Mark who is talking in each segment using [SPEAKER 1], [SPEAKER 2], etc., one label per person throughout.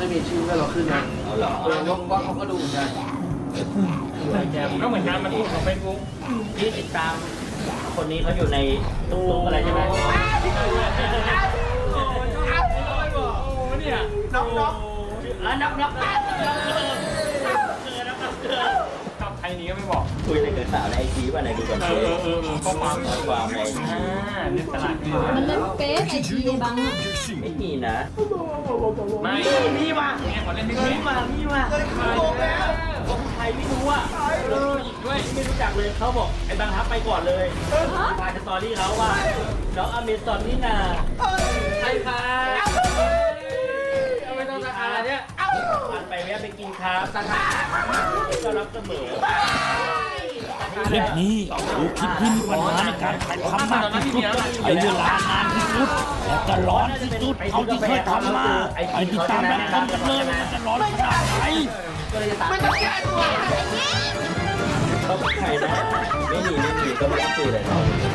[SPEAKER 1] จะมีชื่อให้เราขึ้นนะ
[SPEAKER 2] เอาเหรอ
[SPEAKER 1] ว่าเขาก็ดูเหมือนกัน
[SPEAKER 3] ก็เหมือนกันมันพูดของเฟซบุ๊ก
[SPEAKER 2] ที่ติดตามคนนี้เขาอยู่ในตุ๊กอะไรใช่ไหม
[SPEAKER 3] เนี่ย
[SPEAKER 1] น็อก
[SPEAKER 2] นับ
[SPEAKER 3] กับใครนี้ก็ไม่บอก
[SPEAKER 2] คุยกับสาวในไอจีว่าไหนดูก่อน
[SPEAKER 3] ข้อความ
[SPEAKER 2] ความใน
[SPEAKER 3] เล่นตลาดขึ้นมา
[SPEAKER 4] มันเล่นเฟซไอจีในบังอ่ะ
[SPEAKER 2] ไม่มีนะ
[SPEAKER 3] ไม่
[SPEAKER 2] มีว่ะ
[SPEAKER 3] เนี่ยขอเล่นไม่
[SPEAKER 2] มี
[SPEAKER 3] เก่ง
[SPEAKER 2] ว่ะคนไทยไม่รู้อ่ะ
[SPEAKER 3] อีกด้วย
[SPEAKER 2] ไม่รู้จักเลยเขาบอกไอ้บางทับไปก่อนเลยพาสตอรี่เขาว่าน้องอเมซอนนี่นา
[SPEAKER 3] ใช่ค่ะเอาไปต้องราคาเนี่ย
[SPEAKER 2] ผ่านไปแวะไปกินครับก็รับเสมอ
[SPEAKER 5] คลิปนี้คือคลิปที่มีปัญหาในการถ่ายทำมากที่สุดใช้เวลานานที่สุดและก็ร้อนที่สุดเท่าที่เคยทำมาไปติดตามรับชมกันเลยว่ามันจะร้อนขนาดไหน
[SPEAKER 1] ไม่ต้องแก้ตัว
[SPEAKER 2] เขาเป็นใครนะไม่มีก็ไม่ต้องคุยเลย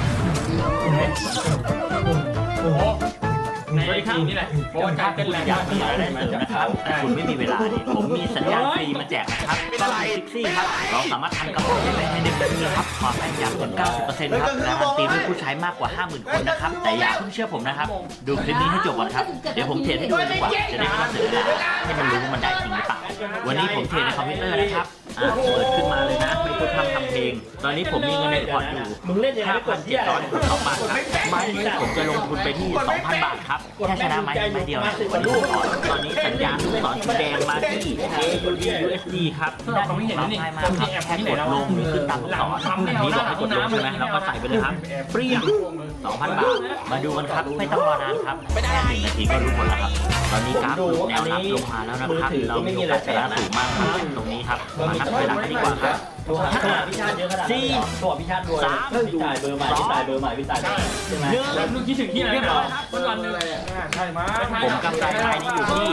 [SPEAKER 3] โอ้โหในไอจีนี่แหละโอ้การเป็นแรง
[SPEAKER 2] อยากมีอะไรมาเสริมนะครับคุณไม่มีเวลาเนี่ยผมมีสัญญาณฟรีมาแจกนะครับก็คือซิกซี่ครับเราสามารถทำกระเป๋าได้ใน1 นาทีครับความแม่นยำถึง 90% ครับการันตีด้วยผู้ใช้มากกว่า 50,000 คนนะครับแต่อย่าเพิ่งเชื่อผมนะครับดูคลิปนี้ให้จบก่อนครับเดี๋ยวผมเทรดให้ดูดีกว่าจะได้ข้อเสนอให้มันรู้ว่ามันได้จริงหรือเปล่าวันนี้ผมเทรดในคอมพิวเตอร์นะครับเปิดขึ้นมาเลยนะไม่พูดทำเพลงตอนนี้ผมมีเงินในพอร์ตอยู่มึงเล่นยังไงกดที่อะไร2 บาทครับไม้นี้ผมจะลงทุนไปที่ 2,000 บาทครับแค่ชนะไม้เดียวนะวันนี้ตอนนี้สัญญาณลูกศรสีแดงมาที่ AUD USD ครับได้ง่ายมากครับแค่กดลงหรือขึ้นตามลูกศรอันนี้บอกให้กดลงใช่ไหมเราก็ใส่ไปเลยครับเปรี้ยง 2,000 บาทมาดูกันครับไม่ต้องรอนานครับแค่1 นาทีก็รู้ผลแล้วครับตอนนี้กราฟแนวรับลงมาแล้วนะครับเรามีโอกาสชนะสูงมากครับตรงนี้ครับมานับเวลากันดีกว่าครับตัวพิชาติเยอะขนาดนี้ตัวพิชาติรวยพี่จ่ายเบอร์ใหม่พี่จ่ายเบอร์ใหม่พี่จ่ายใช่ไหม
[SPEAKER 3] แล้วลูกคิดถึงที่ไหนนะวันวันนึงใช่มั้ย
[SPEAKER 2] ผมกำไรรายนี้อยู่ที่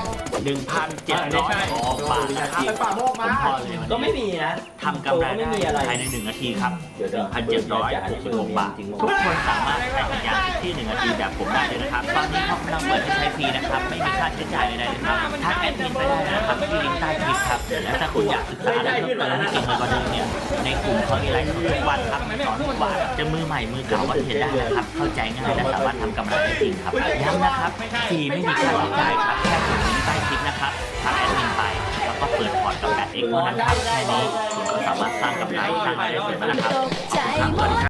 [SPEAKER 2] 1,700 บาทนะครับก็ไม่มีนะทำกำไรได้ภายใน1 นาทีครับ 1,766 บาททุกคนสามารถใช้สัญญาณที่1 นาทีแบบผมได้เลยนะครับตอนนี้เขากำลังเปิดให้ใช้ฟรีนะครับไม่มีค่าใช้จ่ายใดๆเลยครับทักแอดมินไปได้นะครับที่ลิงก์ใต้คลิปครับและถ้าคุณอยากศึกษาอะไรเพิ่มเติมให้เก่งกว่าเดิมเนี่ยในกลุ่มเขามีไลฟ์ทุกวันครับสอนทุกวันจะมือใหม่มือเก่าก็เทรดได้นะครับเข้าใจง่ายและสามารถทำกำไรได้จริงครับย้ำนะครับฟรีไม่มีค่าใช้จ่ายครับแค่กดลิงก์ใต้คลิปนะครับทักแอดมินไปแล้วก็เปิดพอร์ตกับ8X เท่านั้นครับแค่นี้คุณก็สามารถสร้างกำไรสร้างรายได้เสริมแล้วนะครับขอบคุณครับสวัสดีครับ